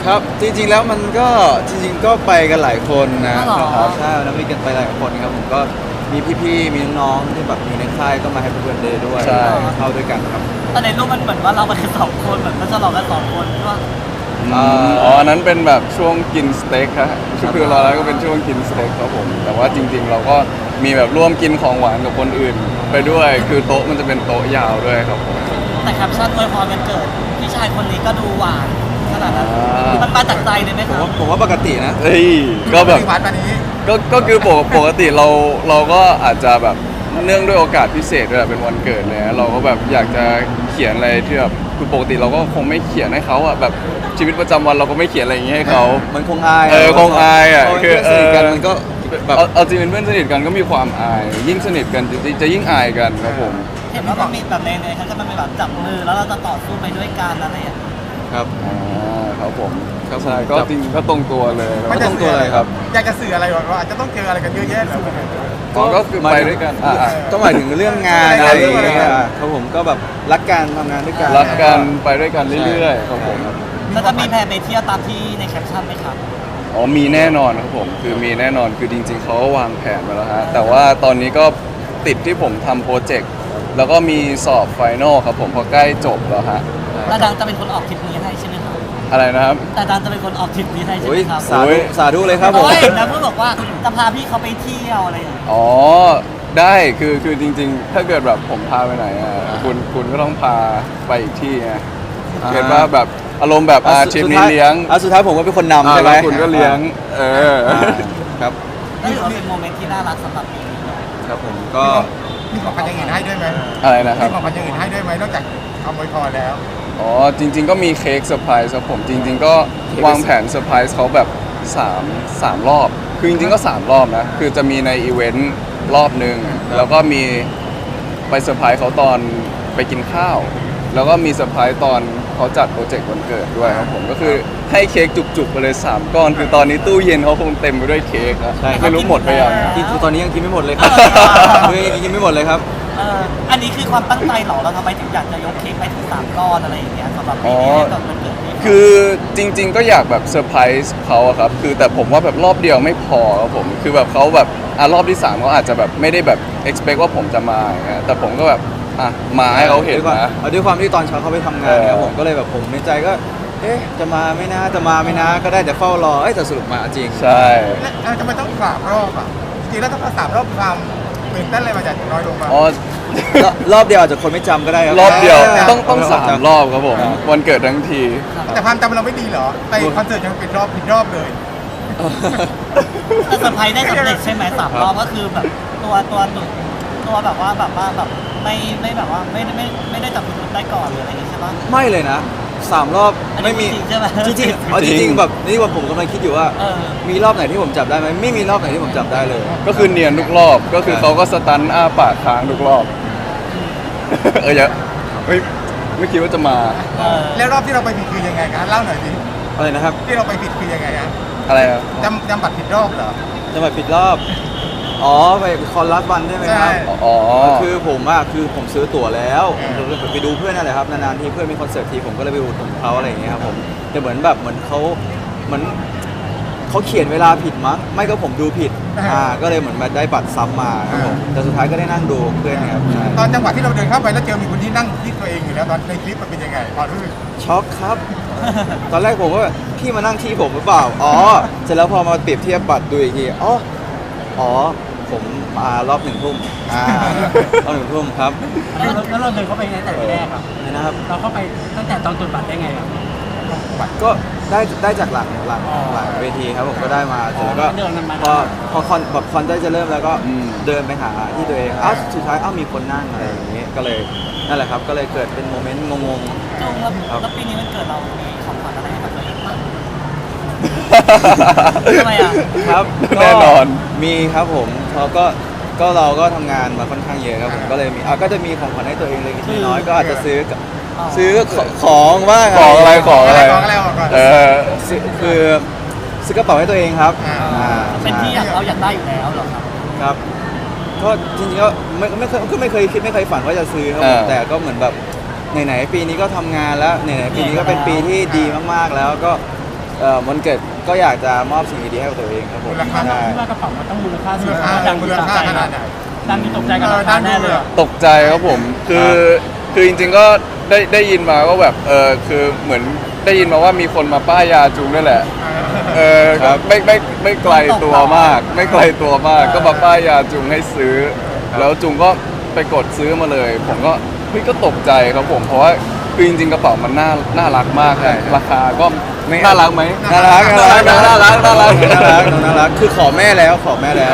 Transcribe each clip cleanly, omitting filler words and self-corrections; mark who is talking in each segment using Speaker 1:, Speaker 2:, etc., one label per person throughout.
Speaker 1: ครับจริงๆแล้วมันก็จริงๆก็ไปกันหลายคนนะ
Speaker 2: อ๋อเหรอ
Speaker 1: ครับใช่วันนั้นมีกันไปหลายคนครับผมก็มีพี่ๆมีน้องๆที่แบบอยู่ในค่ายก็มาให้เพื่อนเดย์ด้วย
Speaker 3: ใช่
Speaker 1: เข้าด้วยกันครับ
Speaker 2: แต่ในรูปมันเหมือนว่าเราไปกันสองคนเหมือนก็ฉลองกันสองคนก็
Speaker 3: อ๋ออันนั้นเป็นแบบช่วงกินสเต็กครับคือเราแล้วก็เป็นช่วงกินสเต็กครับผมแต่ว่าจริงๆเราก็มีแบบร่วมกินของหวานกับคนอื่น ไปด้วยคือโต๊ะมันจะเป็นโต๊ะยาวด้วยครับผม
Speaker 2: แต่แคปชั่นอวยพรวันเกิดพี่ชายคนนี้ก็ดูหวานขนาดนั้น
Speaker 3: อ่ามั
Speaker 2: มันมาจากใจเลยไหม
Speaker 1: ผ
Speaker 2: ค
Speaker 1: ม
Speaker 2: รับ
Speaker 1: ว่าผมว่าปกตินะ
Speaker 3: เฮ้ยก็แบบ
Speaker 4: วัดวันนี้
Speaker 3: ก็คือปกติเราก็อาจจะแบบเนื่องด้วยโอกาสพิเศษด้วยแหละเป็นวันเกิดเลยเราก็แบบอยากจะเขียนอะไรที่แบบคือปกติเราก็คงไม่เขียนให้เขาอะแบบชีวิตประจำวันเราก็ไม่เขียนอะไรอย่างเงี้ยให้เขา
Speaker 1: มันคงอาย
Speaker 3: คงอายอะ
Speaker 1: เพราะ
Speaker 3: คือ
Speaker 1: เพื่อนสนิทกันมันก็แบบ
Speaker 3: เอาจริงเป็นเพื่อนสนิทกันก็มีความอาย ยิ่งสนิทกันจะยิ่งอายกันครับผม
Speaker 2: เห็นว่ามันมีแบบในเขาจะมันเป็นแบบจับมือแล้วเราจะต่อสู้ไปด้วยกันอะไรอย่างเงี้ย
Speaker 1: ครับ
Speaker 3: ครับผม
Speaker 1: ครับ
Speaker 3: ใช่
Speaker 1: ผม
Speaker 3: ก็จริงก็ตรงตัวเลย
Speaker 1: ไม่ต้องตัวอะไรครับ
Speaker 4: อยากจะสื่ออะไรว่าอาจจะต้องเจออะไรกันเยอะแยะเลย
Speaker 3: อ๋อก็คือไปด้วยกันอ่ะ
Speaker 1: ก็หมายถึงเรื่องงานอะไรอย่างเงี้ยครับผมก็แบบรักกันทำงานด้วยกัน
Speaker 3: รักกันไปด้วยกันเรื่อยๆครับผม
Speaker 2: แล้วจะมีแพลนไปเที่ยวตามที่ในแคปชั่นไหมครับ
Speaker 3: อ๋อมีแน่นอนครับผมคือมีแน่นอนคือจริง ๆเขาก็วางแผนมาแล้วฮะแต่ว่าตอนนี้ก็ติดที่ผมทำโปรเจกต์แล้วก็มีสอบไฟนอลครับผมพอใกล้จบแล้วฮะ
Speaker 2: แล้วดังจะเป็นคนออกทริปนี้ให้ใช่ไหมครับ
Speaker 3: อะไรนะครับ
Speaker 2: แต่ดังจะเป็นคนออกทริปนี้ให้ใช่
Speaker 1: โอ้
Speaker 2: ไห
Speaker 1: ย
Speaker 2: มครับ
Speaker 1: สาธุสาธุเลยครับผม
Speaker 2: โอ้ยนะเพื่อนบอกว่าจะพาพี่เขาไปเที่ยวอะไรอย่างเงี้ย
Speaker 3: อ๋อได้คือจริงๆ ถ้าเกิดแบบผมพาไปไหนอ่ะคุณก็ต้องพาไปอีกที่ไงเกิดว่าแบบอารมณ์แบบทริปนี้เลี้ยง
Speaker 1: สุดท้ายผมก็เป็นคนนำใช่ไหม
Speaker 3: แล้วคุณก็เลี้ยง
Speaker 1: ครับ
Speaker 2: ก็ถือว่าเป็นโมเมนต์ที่น่ารักสำหรับปีนี้
Speaker 1: ครับผมก็
Speaker 4: มีของขวัญอย่างอื่นให้ด้วยไหม
Speaker 3: อะไรนะครั
Speaker 4: มี
Speaker 3: บ
Speaker 4: ของขวัญอย่างอื่นให้ด้วยไหมนอกจากคำอวยพรแล้ว
Speaker 3: อ๋อจริง ๆ ก็มีเค้กเซอร์ไพรส์ครับผมจริง ๆ ก็วางแผนเซอร์ไพรส์เขาแบบ3 รอบ คือจริงๆก็ 3 รอบนะคือจะมีในอีเวนต์รอบหนึ่งแล้วก็มีไปเซอร์ไพรส์เขาตอนไปกินข้าว แล้วก็มีเซอร์ไพรส์ตอนเขาจัดโปรเจกต์วันเกิดด้วยครับผมก็คือให้เค้กจุกๆไปเลย3 ก้อน คือตอนนี้ตู้เย็นเขาคงเต็มไปด้วยเค้กนะ
Speaker 1: ใช่
Speaker 3: ไม่รู้หมดไปยัง
Speaker 1: กินตอนนี้ยังกินไม่หมดเลยครับยังกินไม่หมดเลยครับ
Speaker 2: อันนี้คือความตั้งใจเหรอเราทำไมถึงอยากจะยกเค้กไปถึง3 ก้อนอะไรอย่างเงี้ยสำหรับปีนี้ให้กับวันเกิดพี่
Speaker 3: คือจริง ๆ ก็อยากแบบเซอร์ไพรส์เขาอะครับคือแต่ผมว่าแบบรอบเดียวไม่พอครับผมคือแบบเขาแบบรอบที่3เขาอาจจะแบบไม่ได้แบบ expect ว่าผมจะมาอย่างเงี้ยแต่ผมก็แบบมาให้เขาเห็นนะ
Speaker 1: ด้วยความที่ตอนเช้าเขาไปทำงานครับผมก็เลยแบบผมในใจก็ เอ๊ะจะมาไม่นะจะมาไม่นะก็ได้แต่เฝ้ารอแต่สรุปมาจริง
Speaker 3: ใช่
Speaker 4: แล้วทำไมต้อง3 รอบอ่ะจริงๆแล้วต้อง3 รอบความตื่นเต้นอะไรมาจากน้อยลงมา
Speaker 3: อ๋อ
Speaker 1: รอบเดียวอาจจะคนไม่จำก็ได้ครั
Speaker 3: รอบเดียว
Speaker 4: อ่า
Speaker 3: ต้อง3 รอบครับผม วันเกิดทั้งที
Speaker 4: แต่ความจำเราไม่ดีเหรอไปคอนเสิร์ตยังผิดรอบเลย
Speaker 2: แต่เซอร์ไพรส์ได้สำเร็จใช่ไหม3 รอบก็คือแบบตัวแบบว่าแบบไม่แบบว่าไม่ได้จับผิดได้ก่อนหรืออะไรอย่างงี้ใช่ปะ
Speaker 1: ไม่เลยนะ3 รอบ
Speaker 2: อันนี้
Speaker 1: ไม่มี
Speaker 2: จริงใช่ไหม
Speaker 1: จริงๆเอาจ
Speaker 3: จริ
Speaker 1: ริง
Speaker 3: ง
Speaker 1: ๆแบบนี่ว่าผมกำลังคิดอยู่ว่า
Speaker 2: เออ
Speaker 1: มีรอบไหนที่ผมจับได้ไหมไม่มีรอบไหนที่ผมจับได้เลย
Speaker 3: ก็คือเนียนทุกรอบก็คือเขาก็สตันอ้าปากค้างทุกรอบ อย่าไม่คิดว่าจะมา
Speaker 2: เออ
Speaker 4: แล้วรอบที่เราไปผิดคือยังไงกันเล่าหน่อยสิ
Speaker 1: อะไรนะครับ
Speaker 4: ที่เราไปผิดคือยังไงฮะ
Speaker 3: อะไรอะ
Speaker 4: จำบัตรผิดรอบเหรอ
Speaker 1: จะมาผิดรอบอ๋อไปคอนรัสวันใช่ไหมครับ
Speaker 4: ใช่
Speaker 3: อ๋อ
Speaker 1: คือผมคือผมซื้อตั๋วแล้ว
Speaker 4: อืม
Speaker 1: ไปดูเพื่อนนั่นแหละครับนานๆทีเพื่อนมีคอนเสิร์ตทีผมก็เลยไปอุดหนุนเขาอะไรอย่างเงี้ยครับผมแต่เหมือนเขาเหมือนเขาเขียนเวลาผิดมั้งไม่ก็ผมดูผิดก็เลยเหมือนมาได้บัตรซ้ำมาครับผมแต่สุดท้ายก็ได้นั่งดูเพื่อนครับใช่
Speaker 4: ตอนจังหวะที่เราเดินเข้าไปแล้วเจอมีคนที่นั่งที่ตัวเองอยู่แล้วตอนในคลิปมันเป็นยังไงพอรู้สึก
Speaker 1: ช็อกครับ ตอนแรกผมก็แบบพี่มานั่งที่ผมหรือเปล่าอ๋อเสร็จแล้วพอมาเปรียบเทียบบัตรดูอีกทีอ๋อผมมารอบ1 ทุ่มรอบ1 ทุ่มครับ
Speaker 5: แล้วเราเดินเข้าไปในแต่ที่แรกอ่ะ
Speaker 1: นะครับ
Speaker 5: เราเข้าไปตั้งแต่ตอนตรวจบัตรได้ไงอ่ะ
Speaker 1: ก็ได้จากหลังเวทีครับผมก็ได้มาเสร็จแล้วก็
Speaker 5: เดินนำมา
Speaker 1: พอคอนได้จะเริ่มแล้วก็
Speaker 3: อืม
Speaker 1: เดินไปหาที่ตัวเองสุดท้ายมีคนนั่งอะไรอย่างเงี้ยก็เลยนั่นแหละครับก็เลยเกิดเป็นโมเมนต์งง
Speaker 2: จุงแล้วปีนี้มันเกิดเรามีของขวัญอะไรให้กับตัวเองบ้าง ทำไมอ่ะ
Speaker 1: ๆครับ
Speaker 3: แน่นอน
Speaker 1: มีครับผมเราก็ทำงานมาค่อนข้างเยอะครับผมก็เลยมีก็จะมีของขวัญให้ตัวเองเล็กๆน้อยๆก็อาจจะซื้อของบ้าง
Speaker 3: ของอะไร
Speaker 4: ของอะไรออกก่อน
Speaker 3: เออ
Speaker 1: คือซื้อกระเป๋าให้ตัวเองครับ
Speaker 2: เป็นที่อยากเราอยากได้อยู่แล้วเหรอครับ
Speaker 1: ครับก็จริงๆก็ไม่เคยคิดไม่เคยฝันว่าจะซื้อครับผมแต่ก็เหมือนแบบไหนๆปีนี้ก็ทำงานแล้วไหนๆปีนี้ก็เป็นปีที่ดีมากๆแล้วก็วันเกิดก็อยากจะมอบสิ่งดีๆให้กับตัวเองครับผม
Speaker 4: มูลค่า
Speaker 1: ใช่
Speaker 5: คิดว่ากระเป๋ามันต้องมูลค่าสู
Speaker 4: มู
Speaker 5: ง
Speaker 4: ลค่า
Speaker 5: ดัง
Speaker 4: มู
Speaker 5: มี
Speaker 4: ล
Speaker 5: ตก
Speaker 4: ค่า
Speaker 5: ใจ
Speaker 4: ข
Speaker 5: ไหม
Speaker 4: นาดไหน
Speaker 5: ดังมีตกใจกับราคาแน่เลยอะ
Speaker 3: ตกใจครับผมคือจริงๆก็ได้ยินมาว่าแบบคือเหมือนได้ยินมาว่ามีคนมาป้ายยาจูงด้วยแหละครับไม่ไกลตัวมาก ไม่ไกลตัวมาก ก็มาป้ายยาจูงให้ซื้อ แล้วจูงก็ไปกดซื้อมาเลย ผมก็เฮ้ยก็ตกใจครับผมเพราะว่าคือจริงๆกระเป๋ามันน่ารักมากเลยราคาก็น่ารักไหม
Speaker 1: น่ารัก
Speaker 3: น่ารัก
Speaker 1: น่ารักคือขอแม่แล้ว
Speaker 3: ขอแม่แล้ว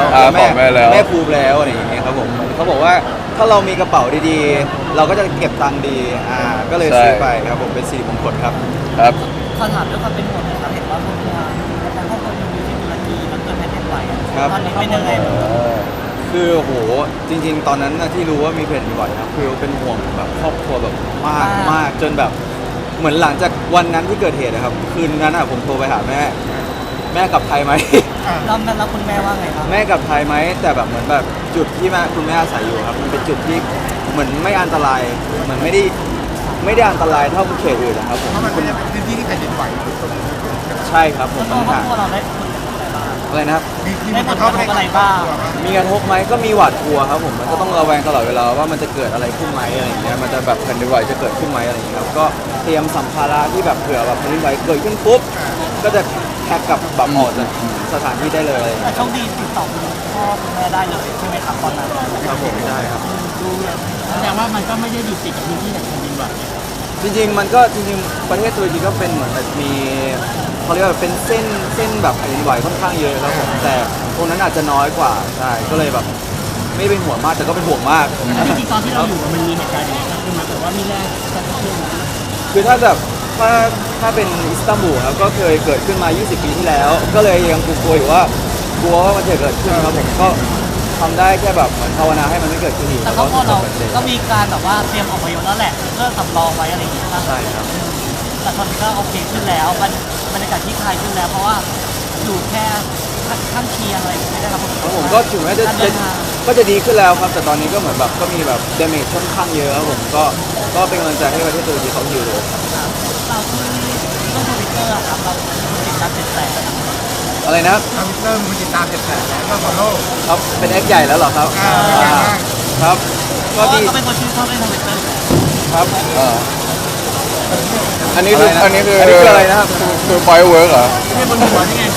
Speaker 1: แม่ภูมิแล้วอะไรอย่างเงี้ยครับผมเขาบอกว่าถ้าเรามีกระเป๋าดีๆ เราก็จะเก็บตังค์ดีก็เลยซื้อไปครับผมเป็นสิริมงคลครับ
Speaker 3: ครับ
Speaker 2: ขอถามด้วยความเป็นห่วงนะครับเห็นว่าครอบครัวแต่ครอบครัวอยู่ที่ตุรกีมันเกิดแผ่นดินไหวอะ
Speaker 1: ครับ
Speaker 2: ตอนนี้เป็นยังไงบ้าง
Speaker 1: คือโหจริง ๆ ตอนนั้นนะที่รู้ว่ามีแผ่นดินไหวนะคือเป็นห่วงแบบครอบครัวแบบมากจนแบบเหมือนหลังจากวันนั้นที่เกิดเหตุนะครับคืนนั้นผมโทรไปหาแม่กลับไทยไหม
Speaker 2: แล้วคุณแม่ว่าไงครับ
Speaker 1: แม่กลับไทยไหมแต่แบบเหมือนแบบจุดที่คุณแม่อาศัยอยู่ครับมันเป็นจุดที่เหมือนไม่อันตรายเหมือนไม่ได้อันตรายเท่าเขตอื่นนะครับผม
Speaker 4: เพราะมันเป็นพื้นที่ที่แผ่นดินไหว
Speaker 1: ใช่ครับผม
Speaker 2: แล้วตัวครอบครัวเราได้ผลกระทบอะไรบ้าง
Speaker 1: อะไรนะครับ
Speaker 4: มีผลกระทบอะไรบ้าง
Speaker 1: มีกระทบไหมก็มีหวาดกลัวครับผมมันก็ต้องระแวงตลอดเวลาว่ามันจะเกิดอะไรขึ้นไหมอะไรอย่างเงี้ยมันจะแบบแผ่นดินไหวจะเกิดขึ้นไหมอะไรอย่างเงี้ยครับก็เตรียมสัมภาระที่แบบเผื่อแบบแผ่นดินไหวเกิดขึ้นปุ๊บก็จะแพ็คกับแบบออกจากสถานที่ได้เลย
Speaker 2: แต่โชคดีติดต่อคุณพ่อคุณแม่ได้เลยใช่ไหมครับตอนนั้น
Speaker 1: ครับผมได้ครับ
Speaker 5: แสดงว่ามันก็ไม่ได้อยู่ติดกับพื้นที่แห่งแผ่นดินไหว
Speaker 1: จริงๆมันก็จริงๆประเทศตุรกีก็เป็นเหมือนแบบมีเขาเรียกว่าเป็นเส้นแบบแผ่นดินไหวค่อนข้างเยอะครับผมแต่ตรงนั้นอาจจะน้อยกว่าใช่ก็เลยแบบไม่เป็นห่วงมากแต่ก็เป็นห่วงมาก
Speaker 5: จริงๆตอนที่เราอยู่มันมีเหตุการณ์อย่างนี้เกิดขึ้นมาแต่ว่ามีแรงกระเทือนไหม
Speaker 1: คือถ้าแบบถ้าเป็นอิสตันบูลครับก็เคยเกิดขึ้นมา 20 ปีที่แล้ว ก็เลยยังกลัวอยู่ว่ากลัวว่ามันจะเกิดขึ้นครับผมก็ทำได้แค่แบบเหมือนภาวนาให้มันไม่เกิดขึ้นอีก
Speaker 2: แต่ครอบครัวเราก็มีการแบบว่าเตรียมอพยพแล้วแหละเพื่อสำรองไว้อะไรอย่างเงี้ยครับ
Speaker 1: ใช่ครับ
Speaker 2: แต่ตอนนี้ก็โอเคขึ้นแล้วบรรยากาศที่คลายขึ้นแล้วเพราะว่าอยู่แค่ข้างเคียงอะไรอย่างเงี้ยไม่ได้รับผลกระท
Speaker 1: ครับ
Speaker 2: บ
Speaker 1: ผมก็ถึงแม้จะ
Speaker 2: การเดินทาง
Speaker 1: ก็จะดีขึ้นแล้วครับ แต่ตอนนี้ก็เหมือนแบบก็มีแบบดาเมจค่อนข้างเยอะครับผมก็เป็นกำลังใจให้ประเทศตุรกีเขาอยู่เลย
Speaker 2: เราคือเรื่องทวิตเตอร์ครับเราติดตามเป็นแสน
Speaker 1: อะไรนะ
Speaker 4: ทวิตเตอร์มีติดตาม700,000แล้วก็ฟอลโล่
Speaker 1: ครับเป็นแอคใหญ่แล้วเหรอครับ
Speaker 4: เป็นไงบ้าง
Speaker 1: ครับ
Speaker 2: เพ
Speaker 1: ก็
Speaker 2: ราะว่า
Speaker 1: ดี
Speaker 2: เขาเป็นคนชื่นชอบเล่นทวิตเตอร์อยู่แล้ว
Speaker 1: ครับ
Speaker 3: อันนี้คือ
Speaker 1: อันนี้คืออะไรนะครับ
Speaker 3: คือไฟเวิร์กเหรอ
Speaker 5: ไม่ใช่บนหัวนี่ไง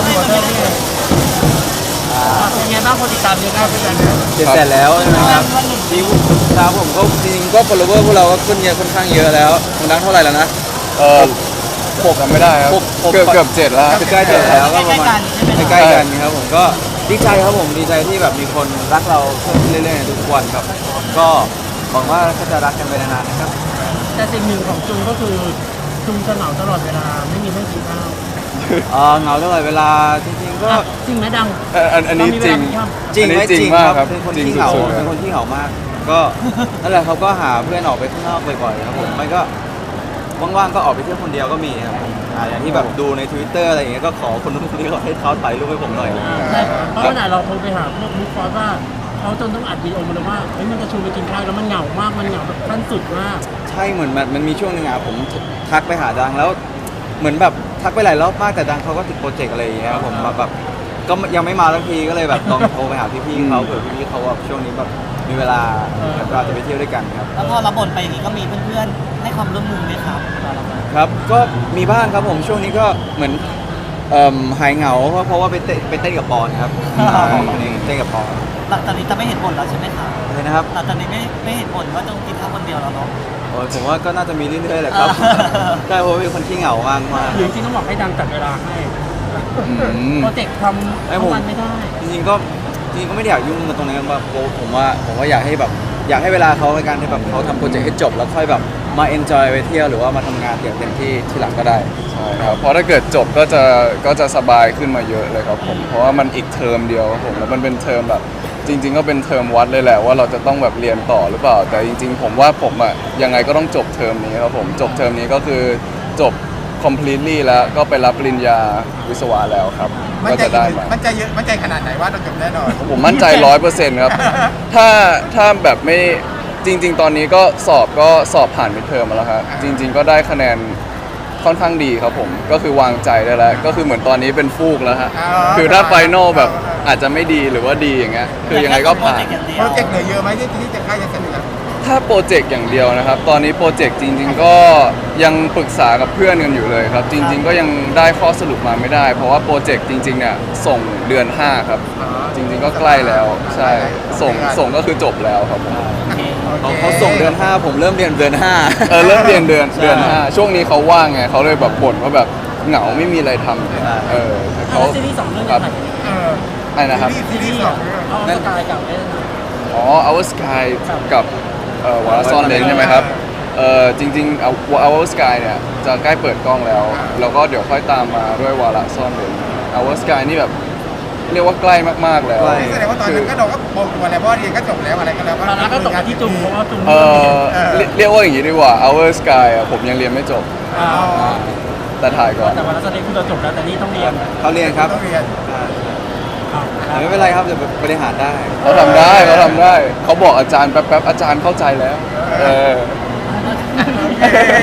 Speaker 5: เป็นไงบ้างคนติดตามเยอะมากเป็นยังไง
Speaker 1: 700,000แล้วใช่ไหมครับจริงครับผมก็จริงๆก็ follower พวกเราก็ขึ้นเยอะค่อนข้างเยอะแล้วคุณนักเท่าไหร่แล้วนะ
Speaker 3: จำไม่ได้ครับ
Speaker 1: หก
Speaker 3: เกือบ7แล้ว
Speaker 1: ใกล้7แล้วก็ประมาณ
Speaker 2: ใกล้ๆกันใช่ไหม
Speaker 1: ใกล้ๆกันครับผมก็ดีใจครับผมดีใจที่แบบมีคนรักเราเพิ่มขึ้นเรื่อยๆทุกวันครับ ก็หวังว่าก็จะรักกันไปนานๆนะครับ
Speaker 5: แต่สิ่งหนึ่งของจุงก็คือจุงจะเหงาตลอดเวลาไม่มีเพื่อนกินข้าว
Speaker 1: เหงาตลอดเวลาจริงๆก็
Speaker 5: จริงไหมดัง
Speaker 3: อันนี้จริง
Speaker 1: จริงไหม
Speaker 3: อันนี้
Speaker 1: จริง
Speaker 3: มาก
Speaker 1: ครับ
Speaker 3: ครับ
Speaker 1: เป็นคน
Speaker 3: จริง
Speaker 1: ที่เหงา
Speaker 3: สุดๆ
Speaker 1: เป็นคนที่เหงามาก ก็ นั่นแหละเขาก็หาเพื่อนออกไปข้างนอกบ่อยๆครับผมไม่ก็ว่างๆก็ออกไปเที่ยวคนเดียวก็มีครับอย่างที่แบบดูใน Twitter อะไรอย่างเงี้ยก็ขอคนนู้นคนนี้ขอให้เขาถ่ายรูปให้ผมหน่อย
Speaker 5: แต่เพราะขนาดเราโทรไปหาพวกบุ๊คฟอสว่าเขาจนต้องอัดวีดีโอมาเลยว่าเฮ้ยมันจะชวนไปกินข้าวแล้วมันเหงามากมันเหงาแบบขั้นสุดมาก
Speaker 1: ใช่เหมือนมันมีช่วงหนึงผมทักไปหาดังแล้วเหมือนแบบทักไปหลายรอบมากแต่ดังเขาก็ติดโปรเจกต์อะไรอย่างเงี้ยครับผมแบบก็ยังไม่มาสักทีก็เลยแบบลองโทรไปหาพี่ๆเขาเผื่อพี่ๆเขาแบบช่วงนี้แบบมีเวลาเราจะไปเที่ยวด้วยกันครับ
Speaker 2: แล้วพอเราบ่นไปอย่างนี้ก็มีเพื่อนๆให้ความร่วมมือไหมครับตอนเราไป
Speaker 1: ครับก็มีบ้างครับผมช่วงนี้ก็เหมือนหายเหงาเพราะว่าไปเต้นกับปอนครับเต้นกับปอน
Speaker 2: หลังจากนี้จะไม่เห็นบ่นแล้วใช่ไหมครับ
Speaker 1: เลยนะครับ
Speaker 2: หลังจากนี้ไม่เห็นบ่นว่าต้องกินข้าวคนเดียวแล้วเนาะ
Speaker 1: โอ้ยผมว่าก็น่าจะมีเรื่อยๆแหละครับใช่เพราะว่าเป็นคนที่เหงามากมาก
Speaker 5: หรือจริงๆต้องบอกให้ดังจัดเวลาให้ โปรเจกต์ทำทั้งวันไม่ได้
Speaker 1: จริงๆก็ไม่ได้อยากยุ่งกับตรงนั้นแบบผมว่าอยากให้แบบอยากให้เวลาเขาในการที่แบบเขาทำโปรเจกต์ให้จบแล้วค่อยแบบมาเอนจอยไปเที่ยวหรือว่ามาทำงานอย่างเต็มที่ที่หลังก็ได้
Speaker 3: ใช่ครับเพราะถ้าเกิดจบก็จะสบายขึ้นมาเยอะเลยครับผมเพราะว่ามันอีกเทอมเดียวครับผมแล้วมันเป็นเทอมแบบจริง ๆ ก็เป็นเทอมวัดเลยแหละว่าเราจะต้องแบบเรียนต่อหรือเปล่า แต่จริง ๆ ผมว่าผมอ่ะยังไงก็ต้องจบเทอมนี้ครับผมจบเทอมนี้ก็คือจบ completely แล้วก็ไปรับปริญญาวิศวะแล้วครับ
Speaker 4: มั่น
Speaker 3: ก็
Speaker 4: ใจ
Speaker 3: จะได้มา
Speaker 4: มั่นใจเยอะมั่นใจขนาดไหนว่าเราจบแน่นอน
Speaker 3: ผมมั่นใจ 100% ครับ ถ้าแบบไม่จริง ๆ ตอนนี้ก็สอบผ่านมิดเทอมมาแล้วครับจริง ๆ ก็ได้คะแนนค่อนข้างดีครับผมก็คือวางใจได้แล้วก็คือเหมือนตอนนี้เป็นฟูกแล้วฮะ
Speaker 4: อ๋อ
Speaker 3: คือถ้าไฟนอลแบบอาจจะไม่ดีหรือว่าดีอย่างเงี้ยคือยังไงก็ผ่าน
Speaker 4: โปรเจกต์เหลือเยอะไหมที่จะใกล้จะเสร็จแล้ว
Speaker 3: ถ้าโปรเจกต์อย่างเดียวนะครับ ตอนนี้โปรเจกต์จริง ๆ ก็ยังปรึกษากับเพื่อนกันอยู่เลยครับ จริง ๆ ก็ยังได้ข้อสรุปมาไม่ได้ เพราะว่าโปรเจกต์จริงๆเนี่ยส่งเดือน 5 ครับ จริง ๆ ก็ใกล้แล้วใช่ส่งก็คือจบแล้วครับผม
Speaker 1: เขาส่งเดือน 5 ผมเริ่มเรียนเดือน 5
Speaker 3: เริ่มเรียนเดือน
Speaker 1: ใช่
Speaker 3: 5ช่วงนี้เขาว่างไงเขาเลยแบบบ่นว่าแบบเหงาไม่มีอะไรทำ
Speaker 1: ใช่
Speaker 3: เขา
Speaker 5: แล้วซีรีส์2เรื่อง
Speaker 3: ค
Speaker 5: จะ
Speaker 3: รับ
Speaker 5: ถ่ายยังไง
Speaker 3: อะไรนะครับ
Speaker 4: ซีรีส์สองเรื่อง
Speaker 5: เอาสกายกับเล่น
Speaker 3: อ๋อ Our Sky กับวาระซ่อนเลนใช่ไหมครับจริงๆ Our Sky เนี่ยจะใกล้เปิดกล้องแล้ว แล้วก็เดี๋ยวค่อยตามมาด้วยวาระซ่อนเลน Our Sky นี่แบบเรียกว่าใกล้มากๆแล้ว
Speaker 1: ใกล้
Speaker 4: แสดงว่าตอนนั้นก็เราก็บอกตัวแล้วเพราะเรียนก็จบแล้วอะไรก็แล้ว
Speaker 5: ตอนนั้นก็ตกที่จุงเพราะว่าจุง
Speaker 3: เรียกว่าอย่างนี้ดีกว่า Our Sky อะผมยังเรียนไม่จบ
Speaker 5: อ่า
Speaker 3: แต่ถ่ายก่อน
Speaker 5: แต่วันนั้นแสดงคุณเราจบแล้วแต่นี่ต้องเรียน
Speaker 1: เขาเรียนครับ
Speaker 4: ต้องเรียน
Speaker 1: แต่ไม่เป็นไรครับเดี๋ยวบริหารได้
Speaker 3: เขาทำได้เขาบอกอาจารย์แป๊บๆอาจารย์เข้าใจแล้ว เออ
Speaker 4: โอเค